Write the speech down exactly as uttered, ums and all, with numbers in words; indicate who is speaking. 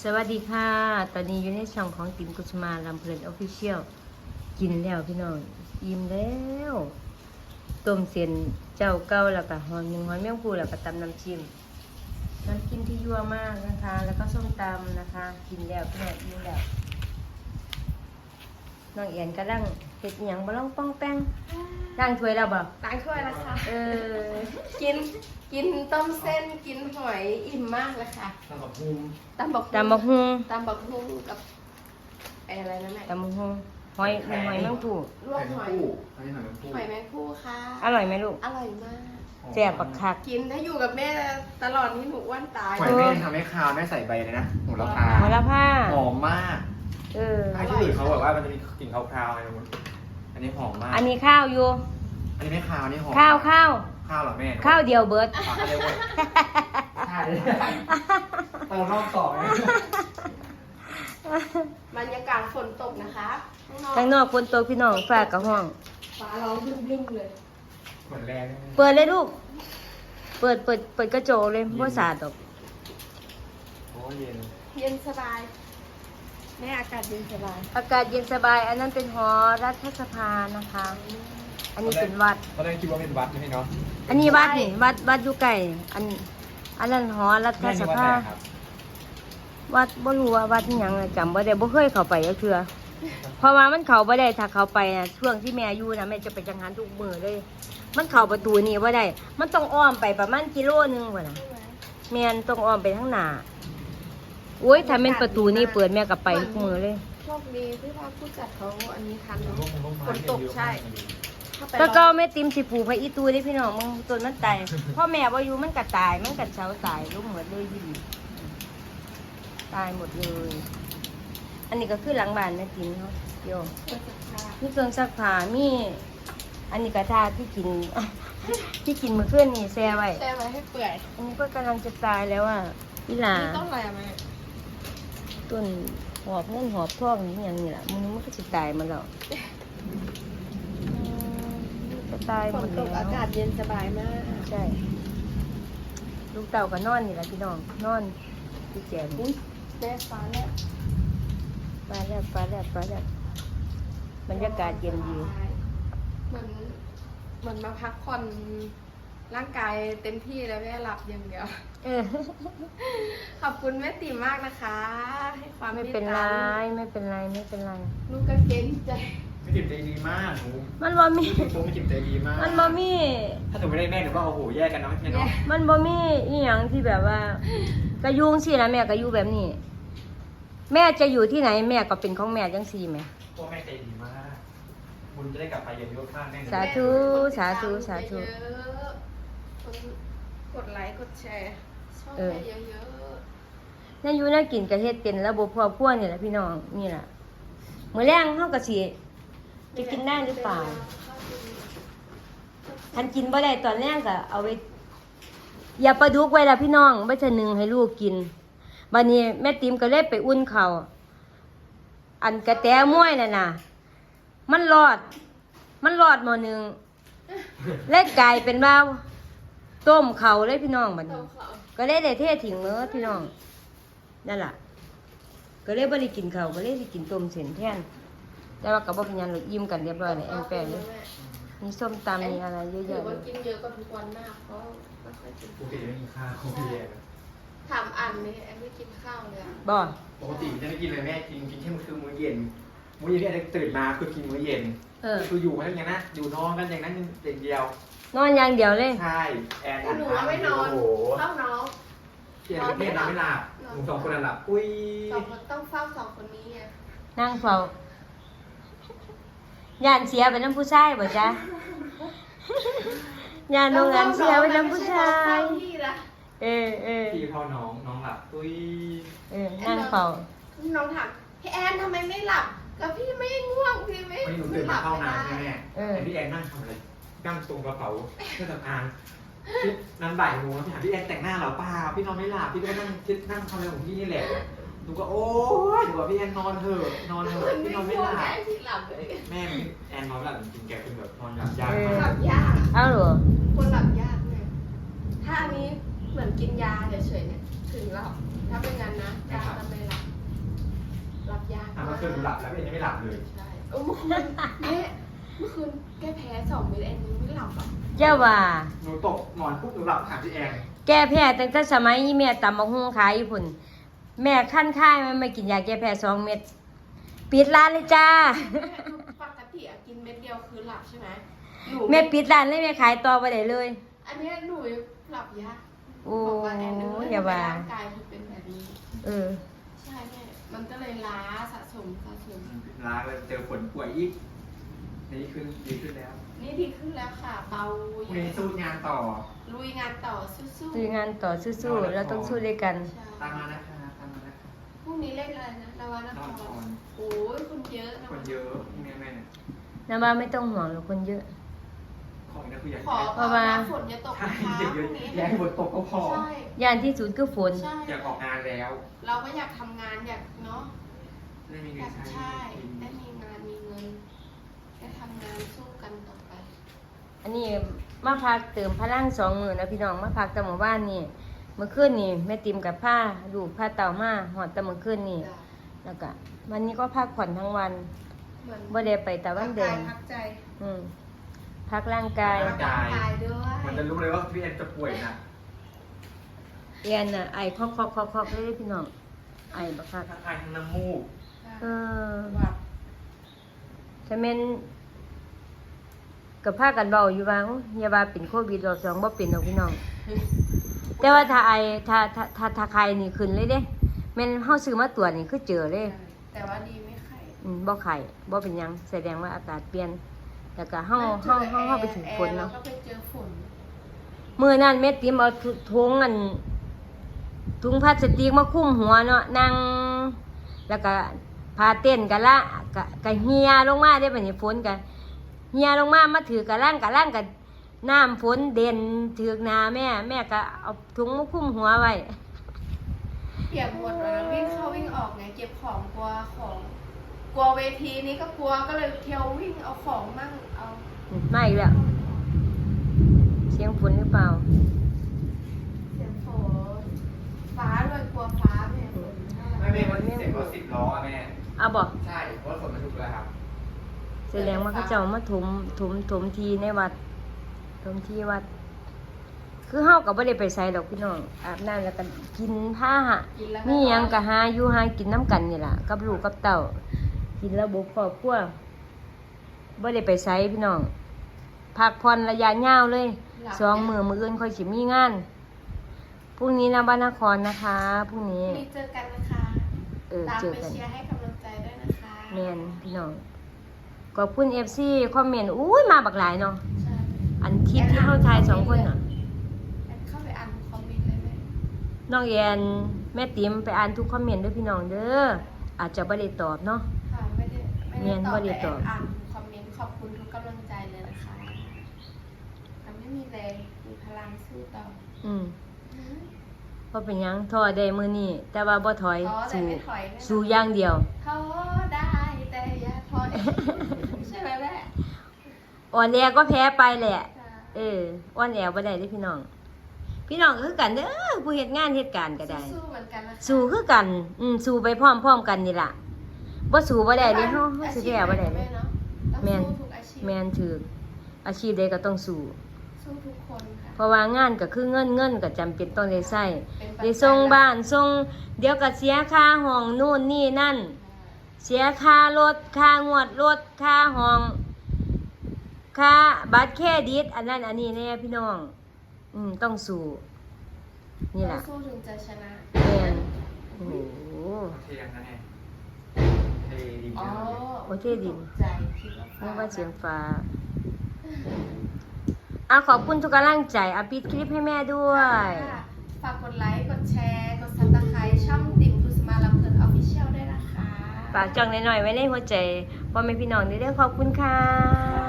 Speaker 1: สวัสดีค่ะ ตอนนี้อยู่ในช่องของติ๋มกุชมาลำเพลินออฟฟิเชียลกินแล้วพี่น้องอิ่มแล้วต้มเส้นเจ้าเก้าแล้วก็หอยหนึ่งหอยแมงภู่แล้วก็ตำน้ำจิ้มน้ำจิ้มที่ยั่วมากนะคะ แล้วก็ส้มตำนะคะ กินแล้วพี่น้องอิ่มแล้วน้องเอียนก็ร่างเห็ดอหย่างบ่ล่องป้องแป้งร่างถ้วยแล้วบ่
Speaker 2: ล้างถ้วยแล้วค่ะ
Speaker 1: เออ
Speaker 2: กินกินต้มเส้นกินหอยอิ่มมากเลยค่ะ
Speaker 3: ตำบักหุ่ง
Speaker 2: ตำบัก
Speaker 1: ตำบักฮุง
Speaker 2: ตำบักหุ่งกับไอ้อะไรนั่นแหละ
Speaker 1: ตำบักฮุงหอยหอยแมงภู่
Speaker 2: ลวกหอย
Speaker 3: คู่อันนี้หอยแมงคู่
Speaker 2: หอยแมงคู่ค่ะ
Speaker 1: อร่อยไหมลูก
Speaker 2: อร่อยมาก
Speaker 1: แซ่บปักคัก
Speaker 2: กินถ้าอยู่กับแม่ตลอดนี้หนูอ้วนตาย
Speaker 3: หอยแม่ทำให้คาวแม่ใส่ใบเลยนะโหระพา
Speaker 1: หอยละผ้า
Speaker 3: หอมมาก
Speaker 1: เออ
Speaker 3: ถ้าที่อื่นเขาบอกว่ามันจะมีกลิ่นคาวๆอะไรนะอันนี้หอมมาก
Speaker 1: อันนี้ข้าวอยู่
Speaker 3: อันนี้ไม่คาวอันนี้หอม
Speaker 1: ข้าวข้าว
Speaker 3: ข้าวเหรอแม่
Speaker 1: ข้าวเดียวเบิร์ด
Speaker 3: อ่ะเขาเรียกว่าใช่เติมรอบสองเลย
Speaker 2: บรรยากาศฝนตกนะคะข้างนอก
Speaker 1: ข้างนอกฝนตกพี่น้องฝากกับห้อง
Speaker 2: ฟ้าร้องบึ้มๆเลย
Speaker 3: เหมือนแรงเลย
Speaker 1: เปิดเลยลูก เปิดเปิดเปิดกระจกเลยบ่สาดดอก
Speaker 3: โอ้เย็น
Speaker 2: เย็นสบายแม่อากาศเย็นสบาย
Speaker 1: อากาศเย็นสบาย อันนั้นเป็นหอรัฐสภานะคะ อันนี้เป็นวัด
Speaker 3: ตอนแรกคิดว่าเป็นวัดไม่ใช่เนาะ
Speaker 1: อันนี้วัดนี่วัดวัดอยู่ไกลอันอันนั้นหอรัฐ
Speaker 3: แม่
Speaker 1: ส
Speaker 3: นี่วัด
Speaker 1: ภา
Speaker 3: ไหนครับ
Speaker 1: วัดบ่รู้ว่าวัดอิหยังอะจำบ่ได้บ่เคยเข้าไปก็คือเพราะว่ามันเข้าบ่ได้ถ้าเข้าไปน่ะช่วงที่แม่อยู่น่ะแม่จะไปจังหันทุกมื้อเลย มันเข้าประตูนี่บ่ได้ มันต้องอ้อมไปประมาณกิโลนึงพุ่นน่ะ
Speaker 2: ใช่ไหม
Speaker 1: แม่นต้องอ้อมไปข้างหน้าโอ้ยถ้าเป็นประตูนี่เปิดแม่ก็ไปทุกมื้อเลย
Speaker 2: โชคดีที่ว่าผู้จัดเขาอันนี้ทันเนอะฝนตกใช่ ถ้าไป
Speaker 1: แล้วก็
Speaker 2: รอบ
Speaker 1: แม่ติมสิปลูกพระอีตูได้พี่น้องมึงต้นมันตายพ่อแม่บ่อยู่มันก็ตายมันก็เฉาตายลูกหมดเลยพี่ตายหมดเลย อันนี้ก็คือหลังบ้านแม่ติมเนาะโย
Speaker 2: เปิดสักผ้า
Speaker 1: มีเครื่องซักผ้ามีอันนี้กระทาที่กิน ที่กินมื้อคืนนี่แช่ไว้
Speaker 2: แช่ไว้ให้เปื่อย
Speaker 1: อันนี้ก็กำลังจะตายแล้วอ่ะพี่หลา
Speaker 2: นี่ต้นอะไรอะแม่
Speaker 1: ต้นหอบเงินหอบทองนี่อย่างนี้แหละมึงมันก็จะตายมาแล้วอืมจะตายห
Speaker 2: ฝ
Speaker 1: ม
Speaker 2: น
Speaker 1: ด
Speaker 2: ตก
Speaker 1: แล้
Speaker 2: อาว กาศเย็นสบายมาก
Speaker 1: ใช่ ลูกเต่าก็นอนนี่แหละพี่น้องนอนพี่แจน
Speaker 2: อุ้ยแม่ฟ้าแล้ว
Speaker 1: ฟ้าแลบฟ้าแลบฟ้าแลบบรรยากาศเย็นดี
Speaker 2: เหมือนเหมือนมาพักผ่อนร่างกายเต็มที่แล้วแม่หลับอย่างเดียว
Speaker 1: เออ
Speaker 2: ขอบคุณแม่ติ๋มมากนะคะ ให้ความ
Speaker 1: ไม่
Speaker 2: มต
Speaker 1: เป็นไร
Speaker 2: ตา
Speaker 1: ไม่เป็นไรไม่เป็นไร
Speaker 2: ลูกก็เก่งใจ
Speaker 3: ไม่จิบใจดีมากหนู
Speaker 1: มันบ่มี
Speaker 3: โตไม่จิบใจดีมาก
Speaker 1: มันบ่มี
Speaker 3: ถ้าหนูไม่ได้แม่หนูก็โอ้โหแยกกันเนาะแม่เนาะ
Speaker 1: มันบ่มีอีหยังที่แบบว่ากระยุงสินะแม่กระยุแบบนี้ แม่จะอยู่ที่ไหนแม่ก็เป็นของแม่จังซี่แหม่
Speaker 3: พ่อแม่ใจดีมาก บุญจะได้กลับไปเย็นยกข้างแม่
Speaker 1: สาธุ สาธุสาธุ
Speaker 2: เยอะๆคนกดไลค์กดแชร์ชอบ
Speaker 1: เออ
Speaker 2: ให้เยอะ
Speaker 1: นั่นอยู่น่ากินกระเฮ็ดเป็นระบบครอบครัวนี่แหละพี่น้องนี่ล่ะมื้อแรงเฮาก็สิ
Speaker 2: ๆ
Speaker 1: จะกินได้หรือเปล่า ทันกินบ่ได้ตอนแรกก็เอาไว้อย่าปลาดุกไว้ละพี่น้องไว้จะนึ่งให้ลูกกินบัดนี้แม่ติ๋มก็เลยไปอุ่นข้าวอันกระแตม้วยน่ะน่ะ มันรอด มันรอดหม้อหนึงเลยกลายเป็นว่าต้มข้าวเลยพี่น้องบัด
Speaker 2: ต้
Speaker 1: นี้
Speaker 2: มเขา
Speaker 1: ก็เลยได้เททิ้งเด้อพี่น้องนั่นล่ะ ก็เลยบ่ได้กินข้าวก็เลยสิกินต้มเส้นแทนแต่ว่าก็บ่เป็นหยังหรอกอิ่มกันเรียบร้อยแล้วแอนแปงเลยมีส้มตำมีอะไรเยอะ
Speaker 2: ถือ
Speaker 1: แยะเล
Speaker 2: ว่าย กินเยอะกว่าทุกวันมากเพราะไม่ค่อยกิน
Speaker 3: ปกติไม่กินข้าวพี่แย่
Speaker 2: ถามอันนี่แอนไม่กินข้าวเลยอะ
Speaker 1: บ่
Speaker 3: ปกติจะไม่กินเลยแม่กินกินแค่มื้อคือมื้อเย็น มื้อเย็นเนี่ยตื่นมาคือกินมื้อเย็น
Speaker 1: เออ
Speaker 3: คืออยู่กันอย่างนั้นอยู่นอนกันอย่างนั้นอย่างเดียว
Speaker 1: นอนอย่างเดียวเลย
Speaker 3: ใช่แอน
Speaker 2: แต่หนูว่าไม่นอน
Speaker 3: โอ้โห
Speaker 2: เฝ้าน้อง
Speaker 3: เพียนกับเพียนนอนไม่หลับหนูสองคนหลับ อุ้ย
Speaker 2: สองคนต้องเฝ้าสองคนนี้ไง
Speaker 1: นั่งเฝ้าย่านเสียเป็นน้ำผู้ชายบ่จ๊ะย่านโรงงานเสียเป็นน้ำผู้ชาย
Speaker 2: เฝ้พี่ละ
Speaker 1: เออเออ
Speaker 3: พี่พ่อน้องน้องหลับ อุ้ย
Speaker 1: เออนั่งเฝ้า
Speaker 2: น้องถามพี่แอนทำไมไม่หลับก็พี่ไม่ง่วงพี่ไม่
Speaker 3: วันนี้หนูตื่นมาเข้าน้ำใช่ไหม
Speaker 1: เออ
Speaker 3: เห็นพี่แอนนั่งทำอะไรนั่งตรงกระเป๋าเครื่องสำอางพี่นันบ่ายโมงแล้วพี่ถามพี่แอนแต่งหน้าเหรอเปล่าพี่นอนไม่หลับพี่ก็นั่งคิดนั่งทำอะไรของพี่นี่แหละหนูก็โอ๊ยหนูบอกพี่แอนนอนเถอะนอนเถ
Speaker 2: เหมื
Speaker 3: อะ
Speaker 2: อน
Speaker 3: พี่
Speaker 2: ไม่
Speaker 3: นอนไม่
Speaker 2: ง่ว
Speaker 3: ห
Speaker 2: ง
Speaker 3: ลับ
Speaker 2: แอนพี่หลับเลย
Speaker 3: แม่แอนนอนไม่หลับจริงๆแกเป็นแบบนอนหลับยาก
Speaker 1: เออ
Speaker 3: มา
Speaker 2: หลั
Speaker 3: ก
Speaker 2: บยาก
Speaker 1: เอาเหรอ
Speaker 2: คนหลับยากเนี่ยถ้าอันนี้เหมือนกินยาเฉยๆเนี่ยถึงหลับถ้าเป็นงั้นนะยาทำไมหลับ
Speaker 3: คืนหนูหลับแล้วพี่เอ็นยังไม่หลับเลย
Speaker 2: ใช่เออเมื่อคืนแม่เมื่อคืนแก้แพ้สองเม็ดเองยังไม่หลับอ่ะ
Speaker 1: เจ้าว่า
Speaker 3: หนูตกนอนปุ๊บหนูหลับถามพี่แอน
Speaker 1: แก้แพ้ตั้งแต่สมัยอีแม่ตำบักหุ่งขายอยู่พุ่นแม่ขั้นค่ายมันไม่กินยาแก้แพ้สองเม็ดปิดร้านเลยจ้า
Speaker 2: แม่ปกติอะกินเม็ดเดียวคือหลับใช่ไหมหนู
Speaker 1: แม่ปิดร้านเลยแม่ขายต่อไปได้เลย
Speaker 2: อันเนี้ยหนูหลับยาก
Speaker 1: โอ้
Speaker 2: บอกว่าแอนเนอร์
Speaker 1: อย่าว่า
Speaker 2: ร่างกายมันเป็นแบบนี้
Speaker 1: เออ
Speaker 2: ใช่แม่มันก็เลยล้าสะสมสะสม
Speaker 3: ลาไปเจอฝนป่วยอีกนี่ขึ้นดีขึ้นแล้ว
Speaker 2: นี่ดีขึ้นแล้วค่ะเบา
Speaker 3: พรุ่งนี้สู้งานต่อ
Speaker 2: ลุยงานต่อสู้
Speaker 1: สู้งานต่อสู้ๆเราต้องสู้ด้วยกัน
Speaker 2: ใช่
Speaker 3: ตามมานะคะตามมานะคะ
Speaker 2: พรุ่งนี้เล่นอะไรนะนวาน
Speaker 3: นอน
Speaker 2: ค
Speaker 3: ก่อ
Speaker 2: ร
Speaker 3: น
Speaker 2: โอ้ยคนเยอะนะ
Speaker 3: คนเยอะพรุ่งนี้แม่เนี่ย
Speaker 1: นะว่าไม่ต้องห่วงหรอกคนเยอะ
Speaker 3: ของนักผู้ใหญ่
Speaker 2: ขอ
Speaker 1: เพราะว่า
Speaker 2: ฝนอย่าตก
Speaker 3: ใช่
Speaker 2: นะคะ
Speaker 3: เด็ก
Speaker 2: พ
Speaker 3: เย
Speaker 2: รุ่
Speaker 3: อะ
Speaker 2: งนี้
Speaker 3: แย่ฝนตกก็พอ
Speaker 2: ใช่
Speaker 1: ย่านที่สุดคือฝน
Speaker 2: ใช่
Speaker 3: อยากออกงานแล้ว
Speaker 2: เราก็อยากทำงานอยากเนาะ
Speaker 3: ไม่มี
Speaker 2: อ
Speaker 3: เงิ
Speaker 2: ยาน ก
Speaker 3: ใช้
Speaker 2: ใช่
Speaker 3: กิน
Speaker 2: ได้มีงานมีเงินได้ทำงานสู้กันต่อไป
Speaker 1: อันนี้มาพักเติมพลังสองมือนะพี่น้องมาพักแต่หมู่บ้านนี่เมื่อคืนนี่แม่ติมกับผ้าลูกผ้าเต่ามาหอดแต่เมื่อคืนนี่
Speaker 2: จ้ะ
Speaker 1: แล้วก็วันนี้ก็พักผ่อนทั้งวัน
Speaker 2: เหมือน
Speaker 1: บ่ได้ไปแต่วันเดิม
Speaker 2: พักใจ
Speaker 1: อืมพักร่างกาย
Speaker 2: พักใจร่างกายด้วย
Speaker 3: มันจะรู้เลยว่าพี่แอนจะป่วยหนะ
Speaker 1: เอียนน่ะไอคอกคอกคอกคอกเลยเด้อพี่น้องไอบักคัก
Speaker 3: ทั้งไอทั้งน้ำมูก
Speaker 1: เออ
Speaker 2: หวัด
Speaker 1: ถ้าแม่นกับพากันเบาอยู่ว่าโอ้ยอย่าว่าเป็นโควิดรอบสองบ่เป็นดอกพี่น้อง แต่ว่าถ้าไอถ้าถ้าถ้าถ้าใครนี่ขึ้นเลยเด้แม่นเฮาซื้อมาตรวจนี่คือเจอเลย
Speaker 2: แต่ว่าดีไม่ไข้
Speaker 1: อืมบ่ไข้บ่เป็นหยังแสดงว่าอากาศเปลี่ยนแล้วก็เฮาเฮาเฮาเฮาไปถึงฝนเนาะ
Speaker 2: แอร์เราก็ไปเจอฝน
Speaker 1: มื้อนั้นแม่ติ๋มเอาถุถุงอันถุงพลาสติกมาคลุมหัวเนาะนั่งแล้วก็พาเต้นกันละก็ก็เหี่ยลงมาได้บัดนี้ฝนก็เหี่ยลงมามาถือกะล่างกะล่างก็น้ำฝนเด่นถือกหน้าแม่ แม่ก็เอาถุงมาคลุมหัวไว้
Speaker 2: เปียกหมดเลยวิ่งเข้าวิ่งออกไงเก็บของกลัวของกลัวเวทีนี้ก็กลัวก็เลยเที่ยววิ่งเอาของมั่งเอา
Speaker 1: อืมมาอีกแล้วเสียงฝนหรือเปล่า
Speaker 2: เสียงฝนฟ้าด้วยกลัวฟ้าเนี่ยฝน
Speaker 3: ไม่เป็นวันที่เสร็จรถสิบล้ออะแม่
Speaker 1: เอาบ่
Speaker 3: ใช่เพราะฝนมันทุกแล้วครับ
Speaker 1: แสดงว่าเขาเจ้ามาถมถมถมทีในวัดถมที่วัด คือเฮาก็บ่ได้ไปไสดอกพี่น้องอาบน้ำแล้วก็กินผ้าหะ
Speaker 2: กินแล้ว
Speaker 1: มีหยังก็หาอยู่หากินน้ำกันนี่ล่ะกับลูกกับเต้ากินระบบครอบครัวบ่ได้ไปไสพี่น้องพักผ่อนระยะยาวเลยสองมื้อมื้ออื่นค่อยสิมีงานพรุ่งนี้นะบ้านนครนะคะพรุ่งนี้
Speaker 2: มีเจอกันนะคะ
Speaker 1: เออ
Speaker 2: ตาม
Speaker 1: เจอ
Speaker 2: ไป
Speaker 1: กัน
Speaker 2: เชียร์ให้กำลังใจด้วยนะคะ
Speaker 1: แม่นพี่น้องขอบคุณ เอฟ ซี คอมเมนต์อุ้ยมาบักหลายเนาะ
Speaker 2: ใช่
Speaker 1: อันคลิปที่เฮาถ่ายสองคนน่ะ
Speaker 2: แอนเข้าไปอ่านคอมเมนต์เลยไหม
Speaker 1: น้องแอนแม่ติ๋มไปอ่านทุกคอมเมนต์เด้วยพี่น้องเด้ออาจจะบ่ได้ตอบเนาะ
Speaker 2: ค่ะไม่ได้ไม่
Speaker 1: เรี
Speaker 2: ได้
Speaker 1: ยน
Speaker 2: ตอบ
Speaker 1: บ่ได้
Speaker 2: แต่
Speaker 1: ต
Speaker 2: แอ
Speaker 1: อบ
Speaker 2: นอ่านคอมเมนต์ขอบคุณทุกกำลังใจเลยนะคะมันไม่มีแรงมีพลังสู้ต่อ
Speaker 1: อืม
Speaker 2: อืม
Speaker 1: บ่เป็นหยังท้อได้มื้อนี้แต่ว่าบ่ถอย
Speaker 2: ท้อแต่
Speaker 1: สู้
Speaker 2: ไม่ถอยแน่นอน
Speaker 1: สู้อย่างเดียว
Speaker 2: ท้อได้แต่อย่าถอย ใช่ไหมแม่
Speaker 1: อ่อนแอก็แพ้ไปแหละ
Speaker 2: จ้ะ
Speaker 1: เอออ่อนแอบ่ได้เด้อพี่น้อง พี่น้องก็คือกันเด้อผู้เฮ็ดงานเฮ็ดการก็ได้
Speaker 2: สู้ๆเหมือนกันนะคะ
Speaker 1: สู้คือกัน อืมสู้ไปพร้อมๆกันนี่ล่ะบ่สู้บ่ได้เด้เฮาเฮาสิแพ้บ่ได้
Speaker 2: อาชีพหน
Speaker 1: เด้
Speaker 2: เนาะต้อง
Speaker 1: แม่น
Speaker 2: สู้ทุกอาชีพ
Speaker 1: แม่นถืออาชีพใดก็ต้องสู้
Speaker 2: สู้ทุกคนค่ะ
Speaker 1: เพราะว่างานก็คือเงินเงินก็จำเป็นต้องได้ใช้
Speaker 2: เป็นปัจจัย
Speaker 1: ได้ส่งบ้านส่งเดี๋ยวก็เสียค่าห้องนู่นนี่นั่น เสียค่ารถค่างวดรถค่าห้องค่าบัตรเครดิตอันนั้นอันนี้แน่พี่น้อง อืมต้องสู้นี่ล่ะ
Speaker 2: ต้องสู้ถึงจะชนะ
Speaker 1: แม่นโอ้โห
Speaker 3: เทียงนะเนี่ยเทดี
Speaker 2: อ๋อ
Speaker 3: มากเลย
Speaker 1: โอเคดิ
Speaker 2: ตกใจคิดว่า
Speaker 1: นึกว่าเสียงฟ้าอ่ะขอบคุณทุกกำลังใจอ่ะปิดคลิปให้แม่ด้วย
Speaker 2: ค่ะฝากกดไลค์ กดแชร์ กดซับสไครต์ช่องติ๋มกุสมาลำเพลินออฟฟิเชียลด้วยนะคะ
Speaker 1: ฝากจองหน่อยๆไว้ในหัวใจพ่อแม่พี่น้องเด้อขอบคุณค่ะ